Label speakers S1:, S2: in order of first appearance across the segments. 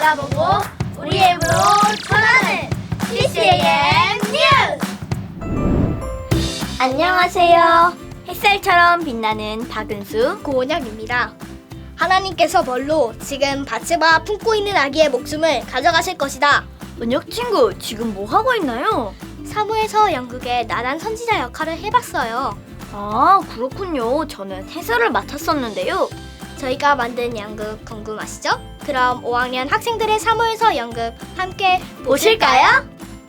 S1: 알아보고 우리의 입으로 전하는 CCAM 뉴스! 안녕하세요. 햇살처럼 빛나는 박은수,
S2: 고원영입니다. 하나님께서 벌로 지금 밭에봐 품고 있는 아기의 목숨을 가져가실 것이다.
S1: 은혁 친구, 지금 뭐 하고 있나요?
S2: 사무에서 연극의 나단 선지자 역할을 해봤어요.
S1: 아, 그렇군요. 저는 해설을 맡았었는데요.
S2: 저희가 만든 연극 궁금하시죠? 그럼 5학년 학생들의 사무에서 연극 함께
S1: 보실까요?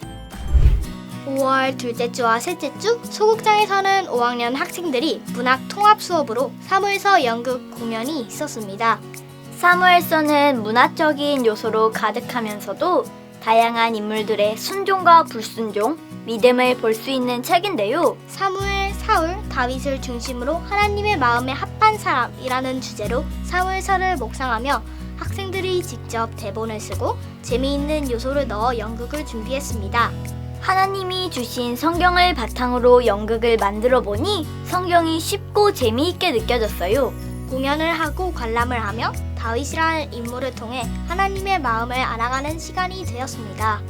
S2: 5월 둘째 주와 셋째 주 소극장에서는 5학년 학생들이 문학 통합 수업으로 사무에서 연극 공연이 있었습니다.
S1: 사무엘서는 문화적인 요소로 가득하면서도 다양한 인물들의 순종과 불순종, 믿음을 볼 수 있는 책인데요.
S2: 사무엘, 사울, 다윗을 중심으로 하나님의 마음에 합한 사람이라는 주제로 사무엘서를 묵상하며 학생들이 직접 대본을 쓰고 재미있는 요소를 넣어 연극을 준비했습니다.
S1: 하나님이 주신 성경을 바탕으로 연극을 만들어 보니 성경이 쉽고 재미있게 느껴졌어요.
S2: 공연을 하고 관람을 하며 다윗이라는 인물을 통해 하나님의 마음을 알아가는 시간이 되었습니다.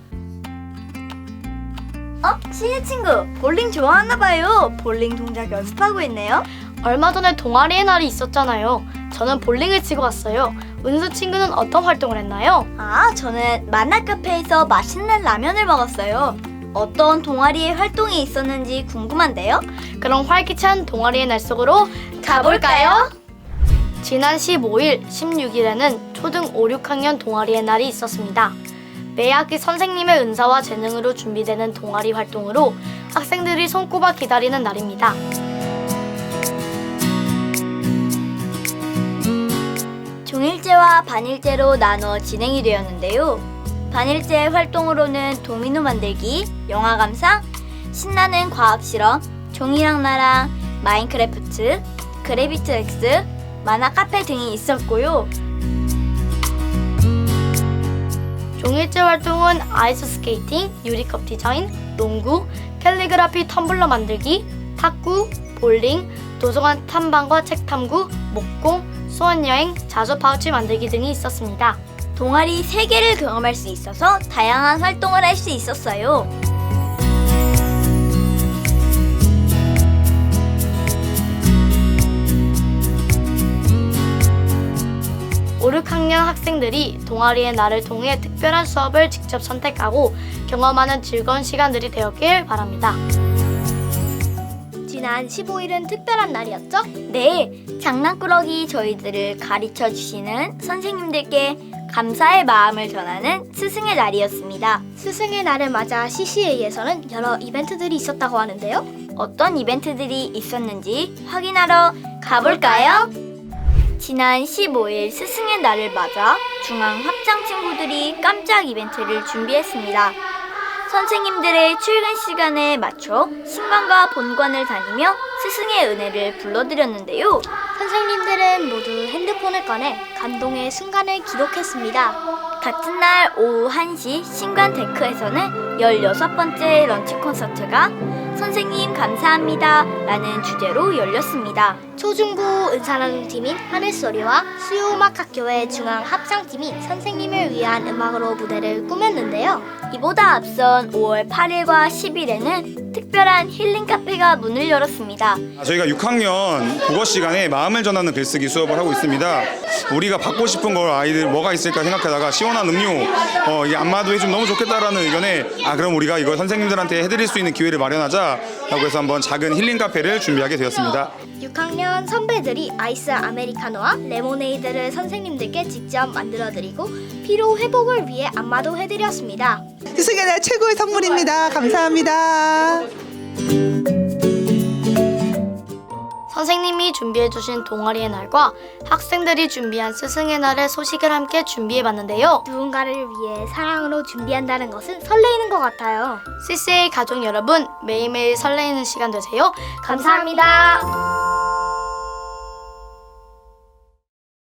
S1: 신혜 친구, 볼링 좋아하나 봐요. 볼링 동작 연습하고 있네요.
S2: 얼마 전에 동아리의 날이 있었잖아요. 저는 볼링을 치고 왔어요. 은수 친구는 어떤 활동을 했나요?
S1: 저는 만나 카페에서 맛있는 라면을 먹었어요. 어떤 동아리의 활동이 있었는지 궁금한데요.
S2: 그럼 활기찬 동아리의 날 속으로 가볼까요? 지난 15일, 16일에는 초등 5, 6학년 동아리의 날이 있었습니다. 매 학기 선생님의 은사와 재능으로 준비되는 동아리 활동으로 학생들이 손꼽아 기다리는 날입니다.
S1: 종일제와 반일제로 나눠 진행이 되었는데요. 반일제 활동으로는 도미노 만들기, 영화 감상, 신나는 과학 실험, 종이랑 나랑, 마인크래프트, 그래비트 X, 만화 카페 등이 있었고요.
S2: 종일제 활동은 아이스 스케이팅, 유리컵 디자인, 농구, 캘리그라피 텀블러 만들기, 탁구, 볼링, 도서관 탐방과 책 탐구, 목공, 수원여행, 자조 파우치 만들기 등이 있었습니다.
S1: 동아리 3개를 경험할 수 있어서 다양한 활동을 할 수 있었어요.
S2: 오, 6학년 학생들이 동아리의 날을 통해 특별한 수업을 직접 선택하고 경험하는 즐거운 시간들이 되었길 바랍니다. 지난 15일은 특별한 날이었죠?
S1: 네, 장난꾸러기 저희들을 가르쳐 주시는 선생님들께 감사의 마음을 전하는 스승의 날이었습니다.
S2: 스승의 날을 맞아 CCA에서는 여러 이벤트들이 있었다고 하는데요.
S1: 어떤 이벤트들이 있었는지 확인하러 가볼까요? 지난 15일 스승의 날을 맞아 중앙 합창 친구들이 깜짝 이벤트를 준비했습니다. 선생님들의 출근 시간에 맞춰 신관과 본관을 다니며 스승의 은혜를 불러드렸는데요.
S2: 선생님들은 모두 핸드폰을 꺼내 감동의 순간을 기록했습니다.
S1: 같은 날 오후 1시 신관 데크에서는 16번째 런치 콘서트가 선생님 감사합니다 라는 주제로 열렸습니다.
S2: 초중고 은사나눔팀인 하늘소리와 수요음악학교의 중앙합창팀이 선생님을 위한 음악으로 무대를 꾸몄는데요.
S1: 이보다 앞선 5월 8일과 10일에는 특별한 힐링 카페가 문을 열었습니다.
S3: 저희가 6학년 국어 시간에 마음을 전하는 글쓰기 수업을 하고 있습니다. 우리가 받고 싶은 걸 아이들 뭐가 있을까 생각하다가 시원한 음료, 이 안마도 해주면 너무 좋겠다라는 의견에 그럼 우리가 이걸 선생님들한테 해드릴 수 있는 기회를 마련하자 라고 해서 한번 작은 힐링 카페를 준비하게 되었습니다.
S2: 6학년 선배들이 아이스 아메리카노와 레모네이드를 선생님들께 직접 만들어드리고 피로 회복을 위해 안마도 해드렸습니다.
S4: 스승의 날 최고의 선물입니다. 감사합니다.
S2: 선생님이 준비해주신 동아리의 날과 학생들이 준비한 스승의 날의 소식을 함께 준비해봤는데요. 누군가를 위해 사랑으로 준비한다는 것은 설레이는 것 같아요. CCA 가족 여러분, 매일매일 설레이는 시간 되세요. 감사합니다.